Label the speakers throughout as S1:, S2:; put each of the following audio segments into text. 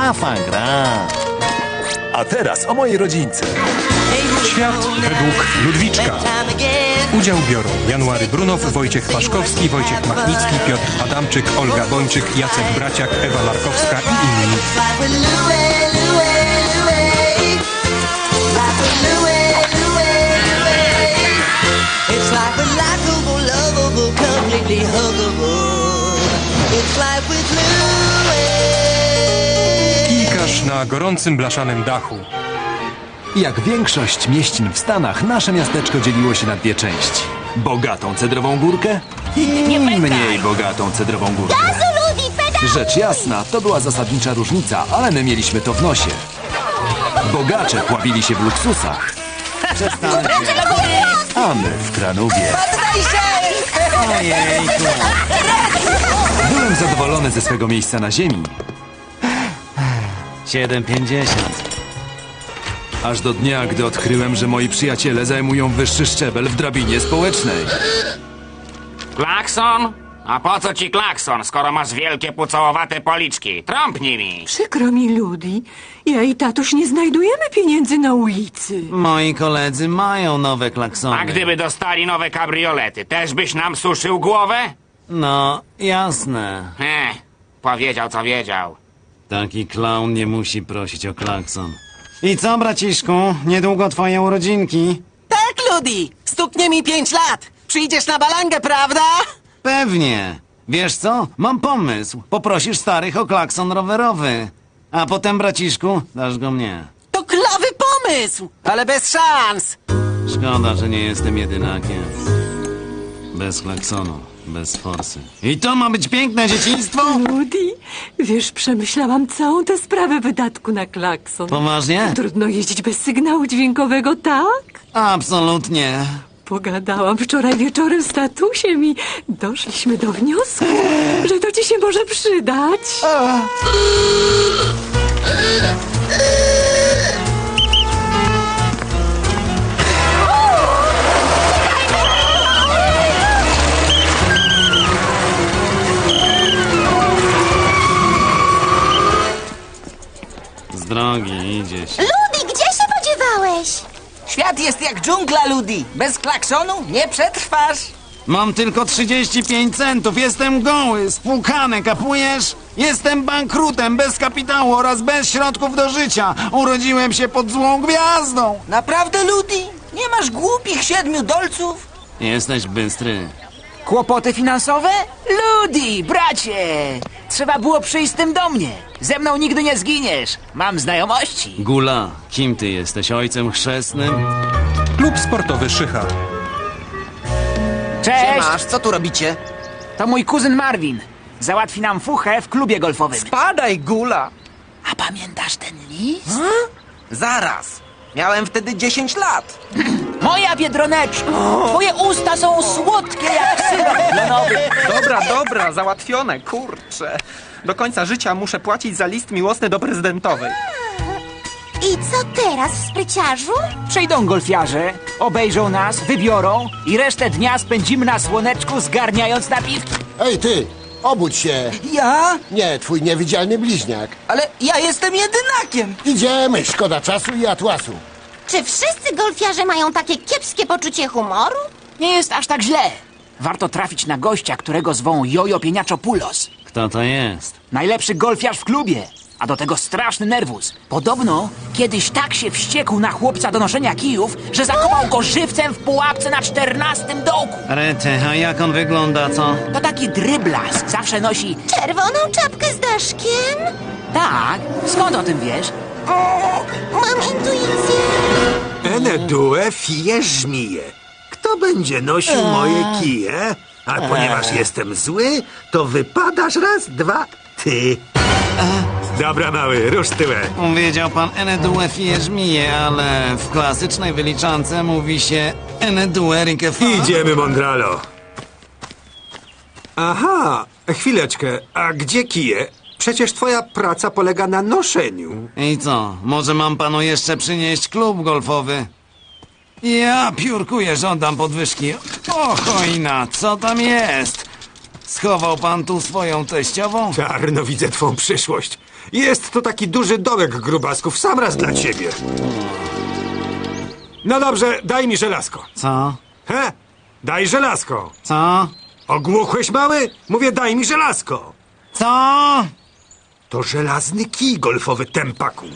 S1: Afagra.
S2: A teraz o mojej rodzince.
S3: Świat według Ludwiczka. Udział biorą January Brunow, Wojciech Paszkowski, Wojciech Machnicki, Piotr Adamczyk, Olga Bończyk, Jacek Braciak, Ewa Larkowska i inni. Kijkaż na gorącym blaszanym dachu.
S2: Jak większość mieścin w Stanach, nasze miasteczko dzieliło się na dwie części. Bogatą cedrową górkę i mniej bogatą cedrową górkę. Rzecz jasna, to była zasadnicza różnica, ale my mieliśmy to w nosie. Bogacze pławili się w luksusach, a my w Kranowie. Byłem zadowolony ze swego miejsca na ziemi.
S1: 7,50.
S2: Aż do dnia, gdy odkryłem, że moi przyjaciele zajmują wyższy szczebel w drabinie społecznej.
S4: Klakson? A po co ci klakson, skoro masz wielkie pucołowate policzki? Trąpnij mi!
S5: Przykro mi, Ludi. Ja i tatuś nie znajdujemy pieniędzy na ulicy.
S1: Moi koledzy mają nowe klaksony.
S4: A gdyby dostali nowe kabriolety, też byś nam suszył głowę?
S1: No, jasne.
S4: Powiedział co wiedział.
S1: Taki klaun nie musi prosić o klakson. I co, braciszku? Niedługo twoje urodzinki?
S6: Tak, Ludi! Stuknie mi 5 lat! Przyjdziesz na balangę, prawda?
S1: Pewnie. Wiesz co? Mam pomysł. Poprosisz starych o klakson rowerowy. A potem, braciszku, dasz go mnie.
S6: To klawy pomysł! Ale bez szans!
S1: Szkoda, że nie jestem jedynakiem. Bez klaksonu, bez forsy. I to ma być piękne dzieciństwo?
S5: Ludi, wiesz, przemyślałam całą tę sprawę wydatku na klakson.
S1: Poważnie?
S5: Trudno jeździć bez sygnału dźwiękowego, tak?
S1: Absolutnie.
S5: Pogadałam wczoraj wieczorem z tatusiem i doszliśmy do wniosku, że to ci się może przydać.
S1: Z drogi idzie się.
S7: Ludi, gdzie się podziewałeś?
S6: Świat jest jak dżungla, Ludi. Bez klaksonu nie przetrwasz.
S1: Mam tylko 35 centów, jestem goły, spłukany, kapujesz? Jestem bankrutem, bez kapitału oraz bez środków do życia. Urodziłem się pod złą gwiazdą.
S6: Naprawdę, Ludi? Nie masz głupich 7 dolców?
S1: Jesteś bystry.
S6: Kłopoty finansowe? Ludi, bracie! Trzeba było przyjść z tym do mnie. Ze mną nigdy nie zginiesz. Mam znajomości.
S1: Gula, kim ty jesteś? Ojcem chrzestnym?
S3: Klub sportowy Szycha.
S6: Cześć! Co tu robicie? To mój kuzyn Marvin. Załatwi nam fuchę w klubie golfowym.
S8: Spadaj, Gula!
S6: A pamiętasz ten list?
S8: Zaraz! Miałem wtedy 10 lat.
S6: Moja Biedroneczko! Twoje usta są słodkie jak syrop klonowy.
S8: Dobra, załatwione, kurczę. Do końca życia muszę płacić za list miłosny do prezydentowej.
S7: I co teraz, spryciarzu?
S6: Przyjdą golfiarze, obejrzą nas, wybiorą i resztę dnia spędzimy na słoneczku zgarniając napiwki.
S9: Ej, ty! Obudź się!
S6: Ja?
S9: Nie, twój niewidzialny bliźniak.
S6: Ale ja jestem jedynakiem.
S9: Idziemy, szkoda czasu i atłasu.
S7: Czy wszyscy golfiarze mają takie kiepskie poczucie humoru?
S6: Nie jest aż tak źle. Warto trafić na gościa, którego zwą Jojo Pieniaczopulos.
S1: Kto to jest?
S6: Najlepszy golfiarz w klubie, a do tego straszny nerwus. Podobno kiedyś tak się wściekł na chłopca do noszenia kijów, że zakopał go żywcem w pułapce na 14 dołku.
S1: Rety, a jak on wygląda, co?
S6: To taki dryblas. Zawsze nosi...
S7: Czerwoną czapkę z daszkiem?
S6: Tak? Skąd o tym wiesz?
S7: Mam intuicję.
S10: Enedue fie żmije. Kto będzie nosił moje kije? A ponieważ jestem zły, to wypadasz raz, dwa, ty. Dobra, mały, rusz tyłem.
S1: Wiedział pan Enedue fie żmije, ale w klasycznej wyliczance mówi się Enedue rikefa.
S10: Idziemy, Mondralo. Aha, chwileczkę, a gdzie kije? Przecież twoja praca polega na noszeniu.
S1: I co, może mam panu jeszcze przynieść klub golfowy? Ja piórkuję, żądam podwyżki. O chojna, co tam jest? Schował pan tu swoją teściową?
S10: Czarno widzę twą przyszłość.
S11: Jest to taki duży dołek grubasków, sam raz dla ciebie. No dobrze, daj mi żelazko.
S1: Co?
S11: He? Daj żelazko.
S1: Co?
S11: Ogłuchłeś, mały? Mówię, daj mi żelazko.
S1: Co?
S11: To żelazny kij golfowy, tempaku.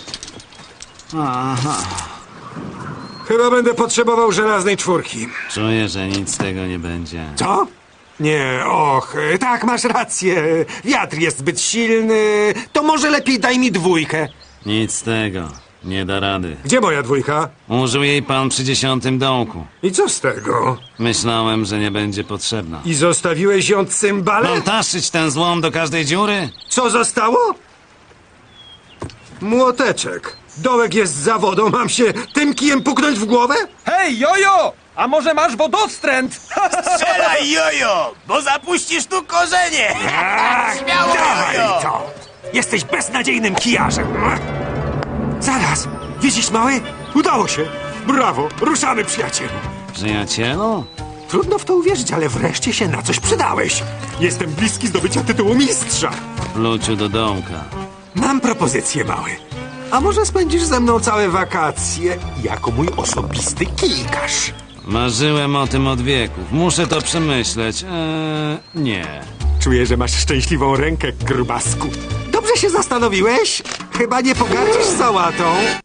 S1: Aha.
S11: Chyba będę potrzebował żelaznej czwórki.
S1: Czuję, że nic z tego nie będzie.
S11: Co? Nie, och, tak, masz rację. Wiatr jest zbyt silny. To może lepiej daj mi dwójkę.
S1: Nic z tego. Nie da rady.
S11: Gdzie moja dwójka?
S1: Użył jej pan przy 10. dołku.
S11: I co z tego?
S1: Myślałem, że nie będzie potrzebna.
S11: I zostawiłeś ją cymbale?
S1: Mam taszyć ten złom do każdej dziury?
S11: Co zostało? Młoteczek. Dołek jest za wodą, mam się tym kijem puknąć w głowę?
S8: Hej, jojo! A może masz wodostręt?
S6: Strzelaj, jojo, bo zapuścisz tu korzenie! Śmiało,
S11: Dawaj
S6: jojo!
S11: to! Jesteś beznadziejnym kijarzem. Zaraz, widzisz, mały? Udało się. Brawo, ruszamy, przyjacielu.
S1: Przyjacielu?
S11: Trudno w to uwierzyć, ale wreszcie się na coś przydałeś. Jestem bliski zdobycia tytułu mistrza.
S1: Pluciu do dołka.
S11: Mam propozycję, mały. A może spędzisz ze mną całe wakacje jako mój osobisty kijkarz?
S1: Marzyłem o tym od wieków. Muszę to przemyśleć. Nie.
S11: Czuję, że masz szczęśliwą rękę, grubasku. Dobrze się zastanowiłeś? Chyba nie pogardzisz sałatą.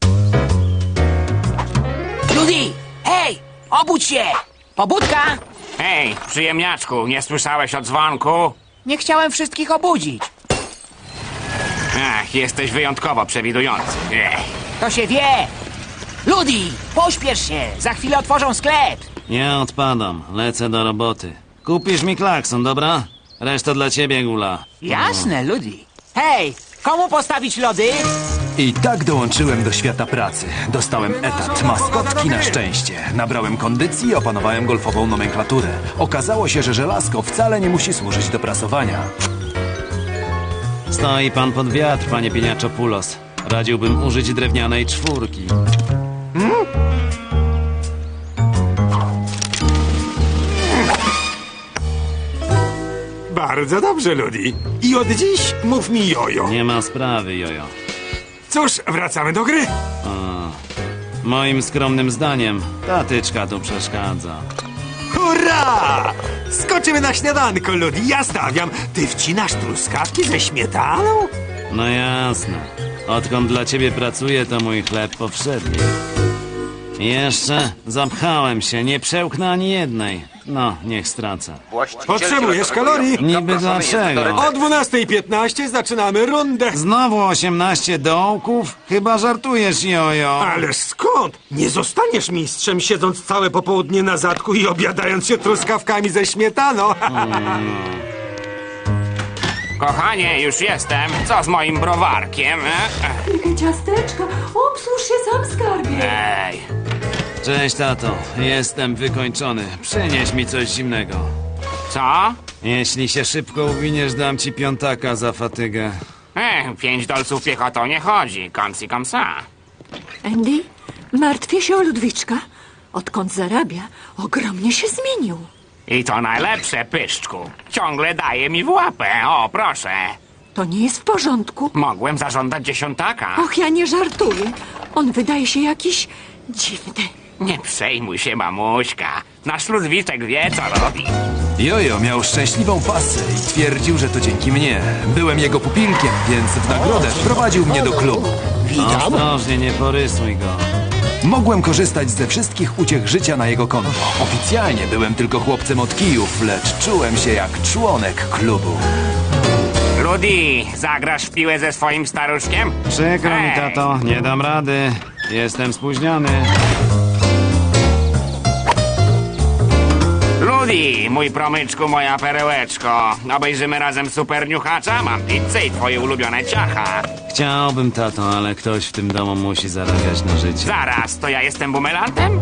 S6: Rudy, hej, obudź się! Pobudka?
S4: Hej, przyjemniaczku, nie słyszałeś o dzwonku?
S6: Nie chciałem wszystkich obudzić.
S4: Ach, jesteś wyjątkowo przewidujący.
S6: To się wie! Rudy, pośpiesz się, za chwilę otworzą sklep.
S1: Nie odpadam. Lecę do roboty. Kupisz mi klakson, dobra? Reszta dla ciebie, Gula.
S6: Jasne, Rudy. Hej, komu postawić lody?
S2: I tak dołączyłem do świata pracy. Dostałem etat maskotki na szczęście. Nabrałem kondycji i opanowałem golfową nomenklaturę. Okazało się, że żelazko wcale nie musi służyć do prasowania.
S1: Stoi pan pod wiatr, panie Pieniaczopulos. Radziłbym użyć drewnianej czwórki.
S11: Bardzo dobrze, Ludi. I od dziś mów mi jojo.
S1: Nie ma sprawy, jojo.
S11: Cóż, wracamy do gry.
S1: Moim skromnym zdaniem, ta tyczka tu przeszkadza.
S11: Hurra! Skoczymy na śniadanko, Ludi. Ja stawiam. Ty wcinasz truskawki ze śmietaną?
S1: No jasne. Odkąd dla ciebie pracuję, to mój chleb powszedni. Jeszcze zapchałem się, nie przełknę ani jednej. No, niech stracę.
S11: Potrzebujesz kalorii?
S1: Niby dlaczego?
S11: O 12:15 zaczynamy rundę.
S1: Znowu 18 dołków? Chyba żartujesz, jojo.
S11: Ależ skąd? Nie zostaniesz mistrzem, siedząc całe popołudnie na zadku i obiadając się truskawkami ze śmietaną.
S4: Kochanie, już jestem. Co z moim browarkiem?
S5: Tylko ciasteczko. Obsłuż się sam, skarbie.
S4: Ej,
S1: Cześć, tato. Jestem wykończony. Przynieś mi coś zimnego.
S4: co?
S1: Jeśli się szybko uwiniesz, dam ci piątaka za fatygę.
S4: 5 dolców piechotą nie chodzi. Komsi komsa.
S5: Andy, martwię się o Ludwiczka. Odkąd zarabia, ogromnie się zmienił.
S4: I to najlepsze, pyszczku. Ciągle daje mi w łapę. O, proszę.
S5: To nie jest w porządku.
S4: Mogłem zażądać 10.
S5: Och, ja nie żartuję. On wydaje się jakiś dziwny.
S4: Nie przejmuj się, mamuśka. Nasz Ludwiczek wie, co robi.
S2: Jojo miał szczęśliwą pasę i twierdził, że to dzięki mnie. Byłem jego pupilkiem, więc w nagrodę wprowadził mnie do klubu.
S9: Witam.
S1: Ostrożnie, nie porysuj go.
S2: Mogłem korzystać ze wszystkich uciech życia na jego konto. Oficjalnie byłem tylko chłopcem od kijów, lecz czułem się jak członek klubu.
S4: Rudy, zagrasz w piłę ze swoim staruszkiem?
S1: Przykro mi,
S4: Hej.
S1: tato. Nie dam rady. Jestem spóźniony.
S4: Rudy, mój promyczku, moja perełeczko. Obejrzymy razem Super Niuchacza? Mam pizzę i twoje ulubione ciacha.
S1: Chciałbym, tato, ale ktoś w tym domu musi zarabiać na życie.
S4: Zaraz, to ja jestem bumelantem?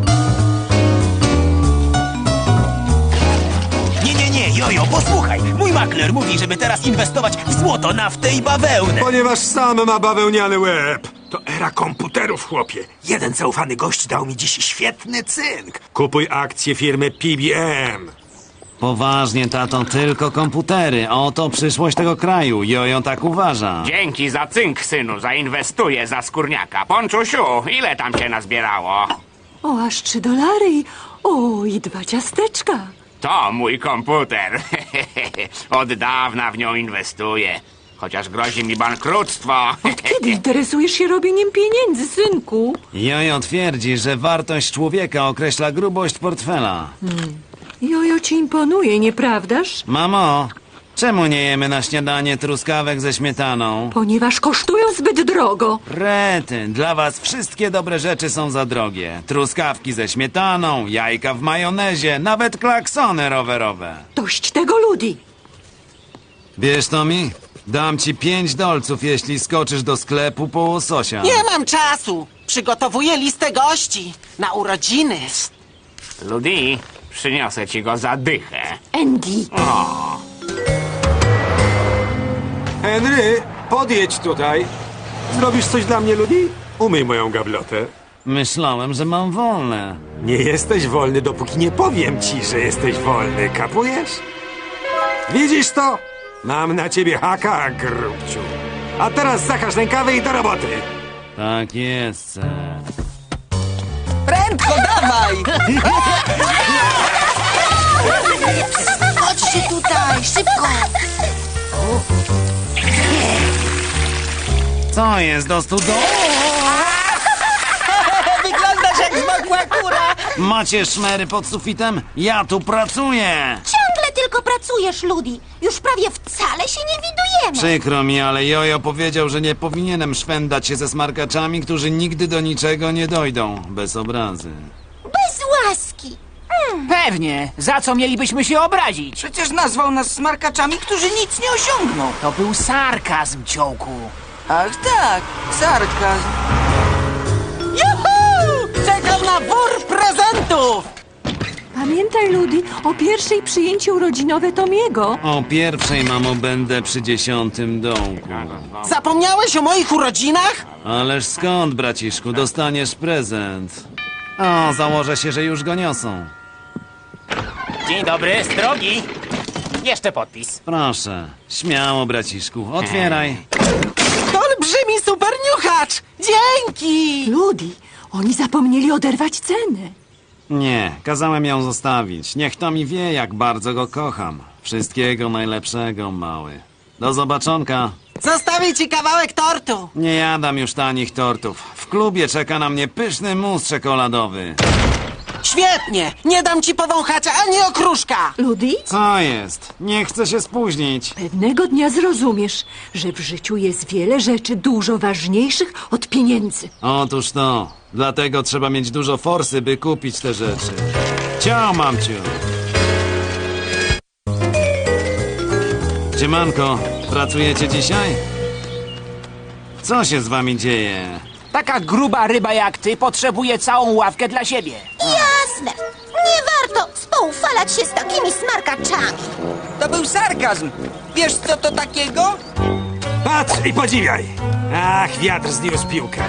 S6: Nie, jojo, posłuchaj. Mój makler mówi, żeby teraz inwestować w złoto, naftę i bawełnę.
S11: Ponieważ sam ma bawełniany łeb. To era komputerów, chłopie. Jeden zaufany gość dał mi dziś świetny cynk. Kupuj akcje firmy PBM.
S1: Poważnie, tato, tylko komputery. Oto przyszłość tego kraju. Jojo tak uważa.
S4: Dzięki za cynk, synu. Zainwestuję za skórniaka. Ponczusiu, ile tam cię nazbierało?
S5: O, aż $3. O, i 2 ciasteczka.
S4: To mój komputer. Od dawna w nią inwestuję. Chociaż grozi mi bankructwo.
S5: Kiedy interesujesz się robieniem pieniędzy, synku?
S1: Jojo twierdzi, że wartość człowieka określa grubość portfela.
S5: Jojo ci imponuje, nieprawdaż?
S1: Mamo, czemu nie jemy na śniadanie truskawek ze śmietaną?
S5: Ponieważ kosztują zbyt drogo.
S1: Rety, dla was wszystkie dobre rzeczy są za drogie. Truskawki ze śmietaną, jajka w majonezie, nawet klaksony rowerowe.
S5: Dość tego, Ludi.
S1: Wiesz, Tommy? Dam ci $5, jeśli skoczysz do sklepu po łososia.
S12: Nie mam czasu. Przygotowuję listę gości na urodziny.
S4: Ludi, przyniosę ci go za dychę.
S5: Andy.
S11: Henry, podjedź tutaj. Zrobisz coś dla mnie, Ludi? Umyj moją gablotę.
S1: Myślałem, że mam wolne.
S11: Nie jesteś wolny, dopóki nie powiem ci, że jesteś wolny. Kapujesz? Widzisz to? Mam na ciebie haka, grubciu. A teraz zakaż rękawy i do roboty.
S1: Tak jest, ser.
S12: Prędko, dawaj!
S7: Chodźcie tutaj, szybko!
S1: Co jest do studu?
S12: Wyglądasz jak zmokła kura!
S1: Macie szmery pod sufitem? Ja tu pracuję!
S7: Ciągle tylko pracujesz, Ludi. Już prawie wcale się nie widujemy.
S1: Przykro mi, ale Jojo powiedział, że nie powinienem szwendać się ze smarkaczami, którzy nigdy do niczego nie dojdą. Bez obrazy.
S7: Bez łaski.
S6: Pewnie. Za co mielibyśmy się obrazić?
S12: Przecież nazwał nas smarkaczami, którzy nic nie osiągną.
S6: To był sarkazm, ciołku.
S12: Ach tak, sarkazm. Juhu! Czekam na wór prezentów!
S5: Pamiętaj, Ludi, o pierwszej przyjęciu urodzinowe Tomiego.
S1: O pierwszej, mamo, będę przy 10. dołku.
S12: Zapomniałeś o moich urodzinach?
S1: Ależ skąd, braciszku, dostaniesz prezent? O, założę się, że już go niosą.
S6: Dzień dobry, z drogi. Jeszcze podpis.
S1: Proszę, śmiało, braciszku, otwieraj.
S12: To olbrzymi superniuchacz! Dzięki!
S5: Ludi, oni zapomnieli oderwać ceny.
S1: Nie, kazałem ją zostawić. Niech to mi wie, jak bardzo go kocham. Wszystkiego najlepszego, mały. Do zobaczonka.
S12: Zostawię ci kawałek tortu.
S1: Nie jadam już tanich tortów. W klubie czeka na mnie pyszny mus czekoladowy.
S12: Świetnie! Nie dam ci powąchać ani okruszka!
S5: Ludi,
S1: Co jest? Nie chcę się spóźnić.
S5: pewnego dnia zrozumiesz, że w życiu jest wiele rzeczy dużo ważniejszych od pieniędzy.
S1: Otóż to. Dlatego trzeba mieć dużo forsy, by kupić te rzeczy. Ciao, mamciu. Siemanko, pracujecie dzisiaj? Co się z wami dzieje?
S6: Taka gruba ryba jak ty potrzebuje całą ławkę dla siebie.
S7: Jasne. Nie warto spoufalać się z takimi smarkaczami.
S12: To był sarkazm. Wiesz, co to takiego?
S11: Patrz i podziwiaj. Ach, wiatr zniósł piłkę.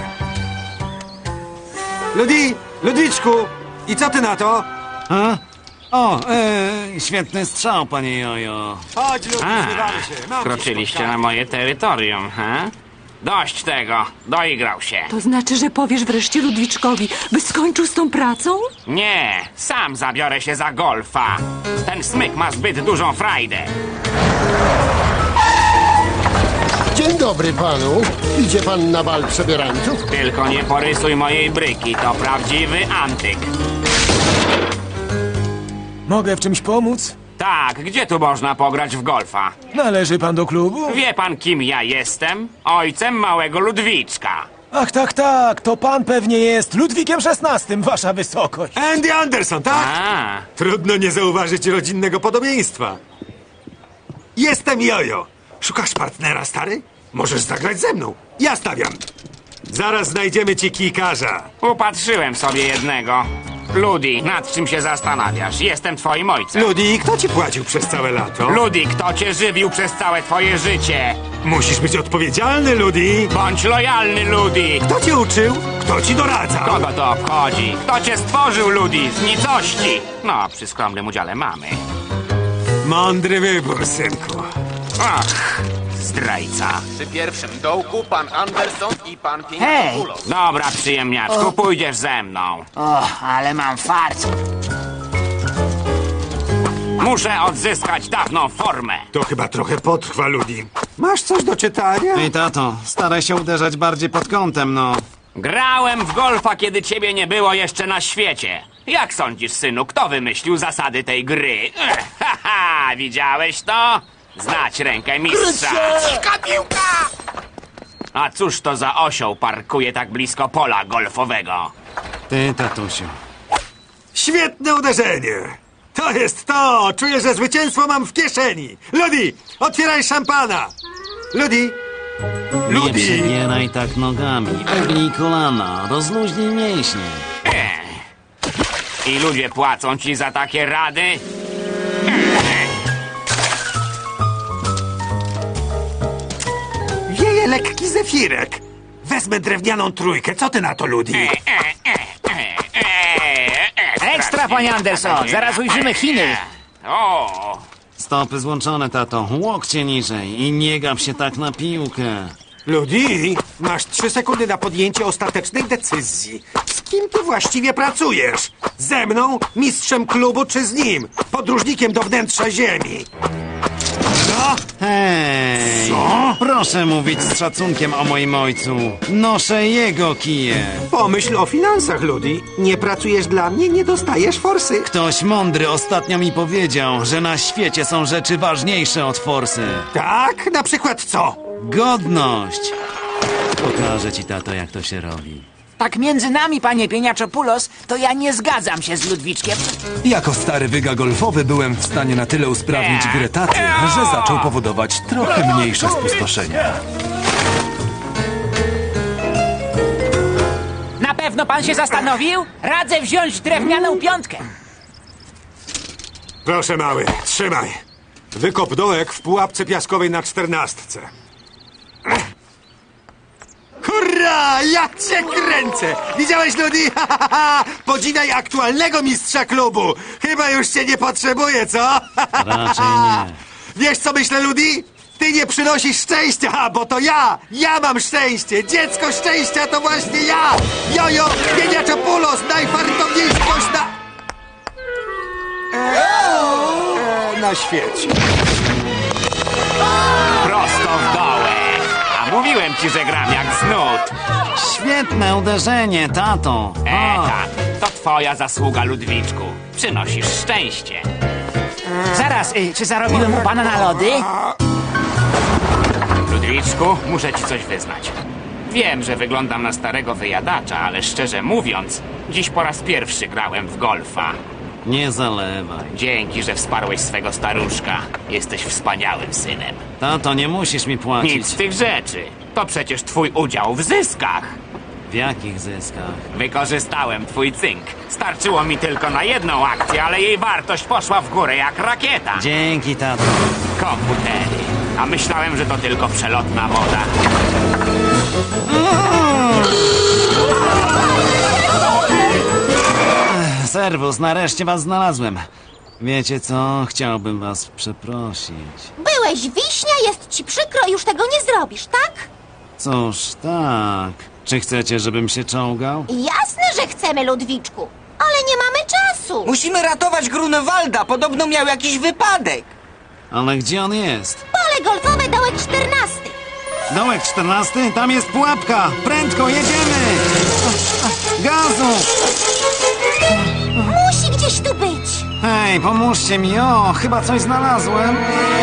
S11: Ludi, Ludwiczku, i co ty na to?
S1: A? O, świetny strzał, panie Jojo.
S11: Chodź, Ludi, zbywamy się. Mam
S4: Wkroczyliście na moje terytorium, he? Dość tego, doigrał się.
S5: To znaczy, że powiesz wreszcie Ludwiczkowi, by skończył z tą pracą?
S4: Nie, sam zabiorę się za golfa. Ten smyk ma zbyt dużą frajdę.
S9: Dzień dobry panu. Idzie pan na bal przebierańców?
S4: Tylko nie porysuj mojej bryki, to prawdziwy antyk.
S13: Mogę w czymś pomóc?
S4: Tak, gdzie tu można pograć w golfa?
S13: Należy pan do klubu?
S4: Wie pan, kim ja jestem? Ojcem małego Ludwiczka.
S13: Ach, tak, to pan pewnie jest Ludwikiem XVI, wasza wysokość.
S11: Andy Anderson, tak?
S4: A,
S11: Trudno nie zauważyć rodzinnego podobieństwa. Jestem Jojo. Szukasz partnera, stary? Możesz zagrać ze mną. Ja stawiam. Zaraz znajdziemy ci kijkarza.
S4: upatrzyłem sobie jednego. Ludi, nad czym się zastanawiasz? Jestem twoim ojcem.
S11: Ludi, kto ci płacił przez całe lato?
S4: Ludi, kto cię żywił przez całe twoje życie?
S11: Musisz być odpowiedzialny, Ludi.
S4: Bądź lojalny, Ludi.
S11: Kto cię uczył? Kto ci doradzał?
S4: Kogo to obchodzi? Kto cię stworzył, Ludi? Z nicości. No, przy skromnym udziale mamy.
S11: Mądry wybór, synku.
S4: Ach, zdrajca.
S14: Przy pierwszym dołku pan Anderson i pan
S6: Hej!
S14: Pieniądz.
S4: Dobra, przyjemniaczku, pójdziesz ze mną.
S6: O, ale mam fart.
S4: Muszę odzyskać dawną formę.
S11: To chyba trochę potrwa, Ludi. Masz coś do czytania?
S1: Ej, tato, staraj się uderzać bardziej pod kątem, no.
S4: Grałem w golfa, kiedy ciebie nie było jeszcze na świecie. Jak sądzisz, synu, kto wymyślił zasady tej gry? Haha, widziałeś to? Znać rękę mistrza.
S14: Cicha piłka!
S4: A cóż to za osioł parkuje tak blisko pola golfowego?
S1: Ty, tatusiu.
S11: Świetne uderzenie! To jest to! Czuję, że zwycięstwo mam w kieszeni! Ludi, otwieraj szampana! Ludi!
S1: Nie
S11: Ludi!
S1: przebieraj tak nogami. Ugnij kolana, rozluźnij mięśnie.
S4: I ludzie płacą ci za takie rady?
S11: Wieje lekki zefirek. Wezmę drewnianą trójkę. Co ty na to, Ludi?
S6: Ekstra, panie Anderson, zaraz ujrzymy Chiny.
S4: O!
S1: Stopy złączone, tato. Łokcie niżej i nie gap się tak na piłkę.
S11: Ludi, masz 3 sekundy na podjęcie ostatecznej decyzji. Z kim ty właściwie pracujesz? Ze mną, mistrzem klubu, czy z nim? Podróżnikiem do wnętrza ziemi. No?
S1: Hej!
S11: Co?
S1: Proszę mówić z szacunkiem o moim ojcu. Noszę jego kije.
S11: Pomyśl o finansach, Ludi. Nie pracujesz dla mnie, nie dostajesz forsy.
S1: Ktoś mądry ostatnio mi powiedział, że na świecie są rzeczy ważniejsze od forsy.
S11: Tak? Na przykład co?
S1: Godność! Pokażę ci, tato, jak to się robi.
S6: Tak między nami, panie Pieniaczopulos, to ja nie zgadzam się z Ludwiczkiem.
S2: Jako stary wyga golfowy byłem w stanie na tyle usprawnić grę taty, że zaczął powodować trochę mniejsze spustoszenia.
S6: Na pewno pan się zastanowił? Radzę wziąć drewnianą piątkę.
S11: Proszę, mały, trzymaj. Wykop dołek w pułapce piaskowej na 14. Hurra! Ja cię kręcę! Widziałeś, Ludi? Podziwiaj aktualnego mistrza klubu! Chyba już cię nie potrzebuję, co?
S1: Raczej nie.
S11: Wiesz, co myślę, Ludi? Ty nie przynosisz szczęścia, bo to ja! Ja mam szczęście! Dziecko szczęścia to właśnie ja! Jojo Pieniaczopulos, najfartowniejszy gość na świecie.
S4: Prosto w dołek. A mówiłem ci, że gram jak znud.
S1: Świetne uderzenie, tato.
S4: Tak, to twoja zasługa, Ludwiczku. Przynosisz szczęście.
S6: Zaraz, czy zarobiłem u pana na lody?
S4: Ludwiczku, muszę ci coś wyznać. Wiem, że wyglądam na starego wyjadacza, ale szczerze mówiąc, dziś po raz pierwszy grałem w golfa.
S1: Nie zalewaj.
S4: Dzięki, że wsparłeś swego staruszka. Jesteś wspaniałym synem.
S1: Tato, nie musisz mi płacić.
S4: Nic z tych rzeczy. To przecież twój udział w zyskach.
S1: W jakich zyskach?
S4: Wykorzystałem twój cynk. Starczyło mi tylko na jedną akcję, ale jej wartość poszła w górę jak rakieta.
S1: Dzięki, tato.
S4: Komputery. A myślałem, że to tylko przelotna moda.
S1: Serwus, nareszcie was znalazłem. Wiecie co? Chciałbym was przeprosić.
S7: Byłeś wiśnia, jest ci przykro i już tego nie zrobisz, tak?
S1: Cóż, tak. Czy chcecie, żebym się czołgał?
S7: Jasne, że chcemy, Ludwiczku, ale nie mamy czasu.
S12: Musimy ratować Grunewalda, podobno miał jakiś wypadek.
S1: Ale gdzie on jest?
S7: Pole golfowe, dołek 14.
S1: Dołek 14? Tam jest pułapka! Prędko, jedziemy! Gazu!
S7: Musi gdzieś tu być.
S1: Hej, pomóżcie mi, o, chyba coś znalazłem.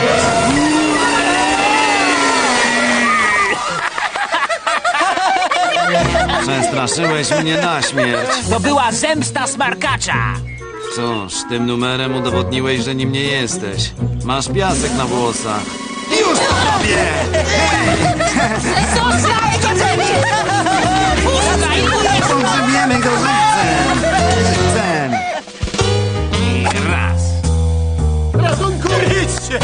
S1: Przestraszyłeś mnie na śmierć.
S6: To była zemsta smarkacza.
S1: Cóż, tym numerem udowodniłeś, że nim nie jesteś. Masz piasek na włosach. Już to robię! Pogrzebiemy go żywcem! Żywcem!
S4: I raz.
S13: Ratunku! Idźcie!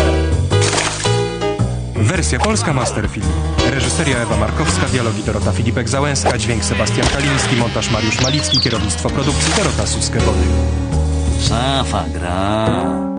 S3: Wersja polska Masterfilm. Reżyseria Ewa Markowska, dialogi Dorota Filipek-Załęska, dźwięk Sebastian Kaliński, montaż Mariusz Malicki, kierownictwo produkcji Dorota Suskewody.
S1: Szafa gra.